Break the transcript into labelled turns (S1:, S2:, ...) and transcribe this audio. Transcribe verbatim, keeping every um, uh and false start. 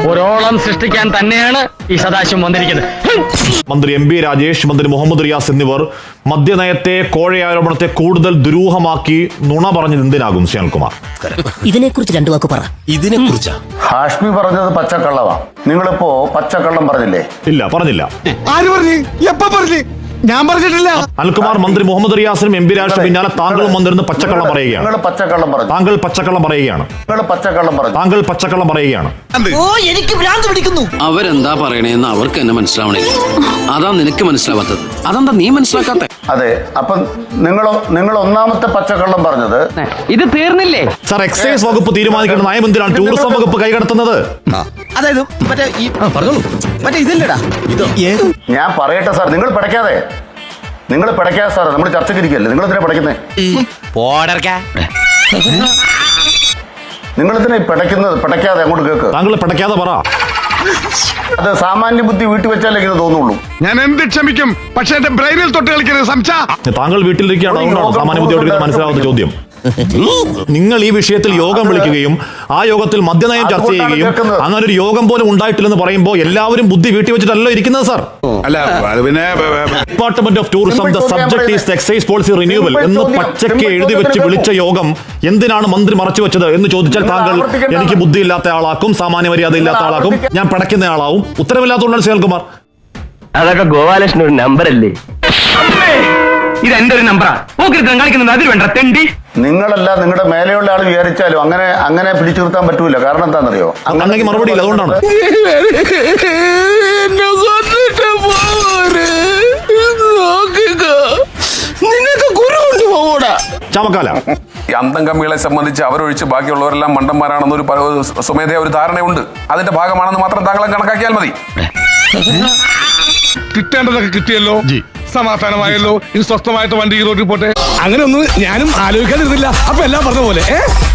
S1: ഒരോളം സൃഷ്ടിക്കാൻ തന്നെയാണ് ഈ സദാശിവം വന്നിരിക്കുന്നത്.
S2: മന്ത്രി എം പി രാജേഷ്, മന്ത്രി മുഹമ്മദ് റിയാസ് എന്നിവർ മദ്യനയത്തെ, കോഴയാരോപണത്തെ കൂടുതൽ ദുരൂഹമാക്കി നുണ പറഞ്ഞത് എന്തിനാകും ശ്യാൽകുമാർ?
S3: ഇതിനെക്കുറിച്ച് രണ്ടു വാക്ക് പറ. ഇതിനെ കുറിച്ചാ
S4: ഹാഷ്മി പറഞ്ഞത് പച്ചക്കള്ളവാ. നിങ്ങളിപ്പോ പച്ചക്കള്ളം പറഞ്ഞില്ലേ?
S2: ഇല്ല, പറഞ്ഞില്ല.
S5: ആര് പറഞ്ഞു? എപ്പ പറഞ്ഞു? ഞാൻ പറഞ്ഞിട്ടില്ല.
S2: അനിൽകുമാർ, മന്ത്രി മുഹമ്മദ് റിയാസിനും എം പി രാജേഷിനും പിന്നാലെ താങ്കളും വന്നിരുന്ന് പച്ചക്കള്ളം പറയുകയാണ്.
S4: നിങ്ങൾ പച്ചക്കള്ളം പറഞ്ഞു.
S2: താങ്കൾ പച്ചക്കള്ളം പറയുകയാണ്.
S4: നിങ്ങൾ പച്ചക്കള്ളം പറഞ്ഞു.
S2: താങ്കൾ പച്ചക്കള്ളം പറയുകയാണ്.
S3: ഓ, എനിക്ക് ഭ്രാന്ത് പിടിക്കുന്നു.
S6: അവരെന്താ പറയണേന്ന് അവർക്ക് എന്നെ മനസ്സിലാവണില്ല. അതാ നിനക്ക് മനസ്സിലാവാത്തത്. അതെന്താ നീ മനസ്സിലാക്കാത്ത?
S4: അതെ, അപ്പൊ നിങ്ങൾ നിങ്ങൾ ഒന്നാമത്തെ പച്ചക്കള്ളം പറഞ്ഞത്
S1: ഇത് തീർന്നില്ലേ
S2: സാർ? എക്സൈസ് വകുപ്പ് തീരുമാനിക്കേണ്ട നയം എന്തിനാണ് ടൂറിസം വകുപ്പ് കൈകടത്തുന്നത്?
S3: അതായത് മറ്റേ ഈ പറഞ്ഞോളൂ, മറ്റേ ഇതില്ലടാ. ഇതോ
S4: ഞാൻ പറയട്ടെ സാർ, നിങ്ങൾ പിടയ്ക്കാതെ നിങ്ങൾ പിടയ്ക്കാതെ സാർ, നമ്മൾ ചർച്ചയ്ക്ക് ഇരിക്കല്ലേ, നിങ്ങൾ എന്തിനാ പിടയ്ക്കുന്നേ? നിങ്ങൾ എന്തിനാ പിടയ്ക്കുന്നത്? പിടയ്ക്കാതെ അങ്ങോട്ട് കേക്ക്.
S2: താങ്കൾ പിടയ്ക്കാതെ പറ.
S4: അത് സാമാന്യ ബുദ്ധി വീട്ടിൽ വെച്ചാലേ ഇങ്ങനെ തോന്നുള്ളൂ.
S5: ഞാൻ എന്ത് ക്ഷമിക്കും, പക്ഷെ എന്റെ ബ്രെയിനിൽ തൊട്ട് കളിക്കരുത് സംശ.
S2: താങ്കൾ വീട്ടിലിരിക്കുകയാണ്, അതുകൊണ്ടാണ് സാമാന്യ ബുദ്ധിയോട് മനസ്സിലാവുന്ന ചോദ്യം. നിങ്ങൾ ഈ വിഷയത്തിൽ യോഗം വിളിക്കുകയും ആ യോഗത്തിൽ മദ്യനയം ചർച്ച ചെയ്യുകയും അങ്ങനെ ഒരു യോഗം പോലും ഉണ്ടായിട്ടില്ലെന്ന് പറയുമ്പോൾ എല്ലാവരും ബുദ്ധി വീട്ടി വെച്ചിട്ടല്ലോ ഇരിക്കുന്നത് സാർ.
S5: അല്ല, പിന്നെ
S2: department of tourism the subject is excise policy renewal എന്ന് പച്ചയ്ക്ക് എഴുതി വെച്ച് വിളിച്ച യോഗം എന്തിനാണ് മന്ത്രി മറച്ചു വെച്ചത് എന്ന് ചോദിച്ചാൽ താങ്കൾ എനിക്ക് ബുദ്ധിയില്ലാത്ത ആളാക്കും, സാമാന്യ മര്യാദ ഇല്ലാത്ത ആളാക്കും, ഞാൻ പിടയ്ക്കുന്ന ആളാവും. ഉത്തരവില്ലാത്തതുകൊണ്ടാണ് ശ്രീകുമാർ.
S1: അതൊക്കെ ഗോപാലകൃഷ്ണൻ ഒരു നമ്പർ അല്ലേ? ഇത് എന്റെ ഒരു നമ്പറാ. കളിക്കുന്നത് അതിൽ വേണ്ട തെണ്ടി.
S4: നിങ്ങളല്ല നിങ്ങളുടെ മേലെയുള്ള ആൾ വിചാരിച്ചാലും അങ്ങനെ അങ്ങനെ പിടിച്ചു നിർത്താൻ പറ്റൂല. കാരണം എന്താണെന്നറിയോ?
S2: അങ്ങനെ മറുപടി ഇല്ല, അതുകൊണ്ടാണ്. ചമക്കാല
S7: അന്തം കമ്മികളെ സംബന്ധിച്ച് അവരൊഴിച്ച് ബാക്കിയുള്ളവരെല്ലാം മണ്ടന്മാരാണെന്നൊരു സ്വമേധയാ ഒരു ധാരണയുണ്ട്. അതിന്റെ ഭാഗമാണെന്ന് മാത്രം താങ്കളെ കണക്കാക്കിയാൽ മതി.
S5: കിട്ടേണ്ടതൊക്കെ കിട്ടിയല്ലോ, സമാധാനമായല്ലോ. ഇനി സ്വസ്ഥമായിട്ട് വണ്ടി ഈ റോഡിൽ പോട്ടെ. അങ്ങനെ ഒന്നും ഞാനും ആലോചിക്കാതിരുന്നില്ല. അപ്പൊ എല്ലാം പറഞ്ഞ പോലെ.